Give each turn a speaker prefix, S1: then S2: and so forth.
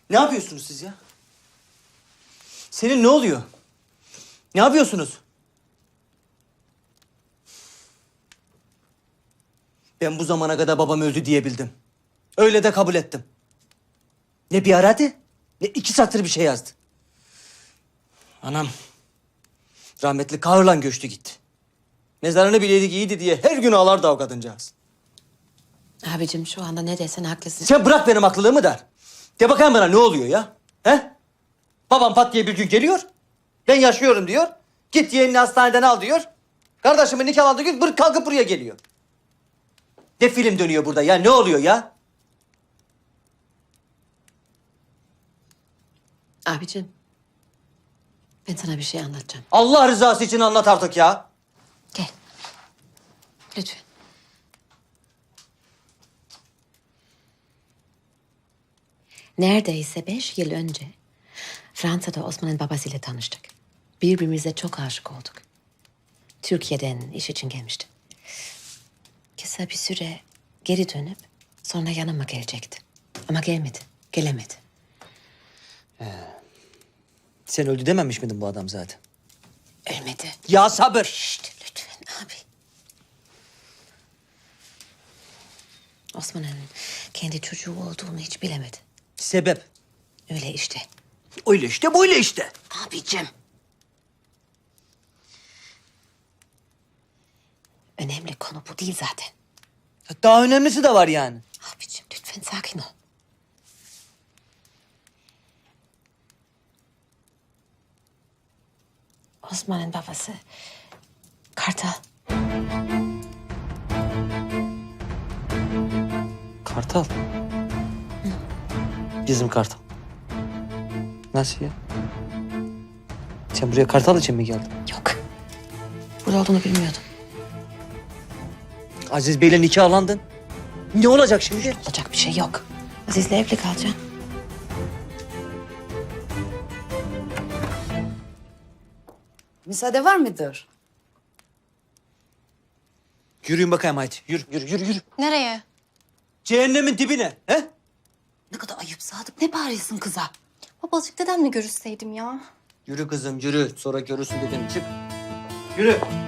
S1: Ne yapıyorsunuz siz ya? Senin ne oluyor? Ne yapıyorsunuz? Ben bu zamana kadar babam öldü diyebildim. Öyle de kabul ettim. Ne bir aradı, ne 2 satır bir şey yazdı. Anam rahmetli kahırla göçtü gitti. Mezarını bileydik iyiydi diye her gün ağlardı o kadıncağız.
S2: Abicim şu anda ne desen haklısın.
S1: Sen bırak benim haklılığımı da. De bakayım bana ne oluyor ya? He? Babam pat diye bir gün geliyor. Ben yaşıyorum diyor. Git yeğenini hastaneden al diyor. Kardeşimin nikahlandığı gün kalkıp buraya geliyor. Ne film dönüyor burada ya? Ne oluyor ya?
S2: Abicim ben sana bir şey anlatacağım.
S1: Allah rızası için anlat artık ya.
S2: Gel. Lütfen. Neredeyse 5 yıl önce Fransa'da Osman'ın babasıyla tanıştık. Birbirimize çok aşık olduk. Türkiye'den iş için gelmişti. Kısa bir süre geri dönüp sonra yanıma gelecekti. Ama gelmedi, gelemedi.
S1: Sen öldü dememiş miydin bu adam zaten?
S2: Ölmedi.
S1: Ya sabır.
S2: Şşt, lütfen abi. Osman'ın kendi çocuğu olduğunu hiç bilemedi.
S1: Sebep?
S2: Öyle işte.
S1: Öyle işte böyle işte.
S2: Abicim. Önemli konu bu değil zaten.
S1: Daha önemlisi de var yani.
S2: Abicim lütfen sakin ol. Osman'ın babası Kartal.
S1: Kartal. Bizim Kartal. Nasıl ya? Sen buraya Kartal için mi geldin?
S2: Yok. Burada olduğunu bilmiyordum.
S1: Aziz Bey'le nikahlandın. Ne olacak şimdi?
S2: Olacak bir şey yok. Aziz'le evli kalacağım.
S3: Müsaade var mıdır?
S1: Yürüyün bakayım haydi. Yürü.
S4: Nereye?
S1: Cehennemin dibine. He?
S3: Ne kadar ayıp Sadık. Ne bağırıyorsun kıza?
S4: Babacık dedemle görüşseydim ya.
S1: Yürü kızım yürü. Sonra görürsün dedim. Çık. Yürü.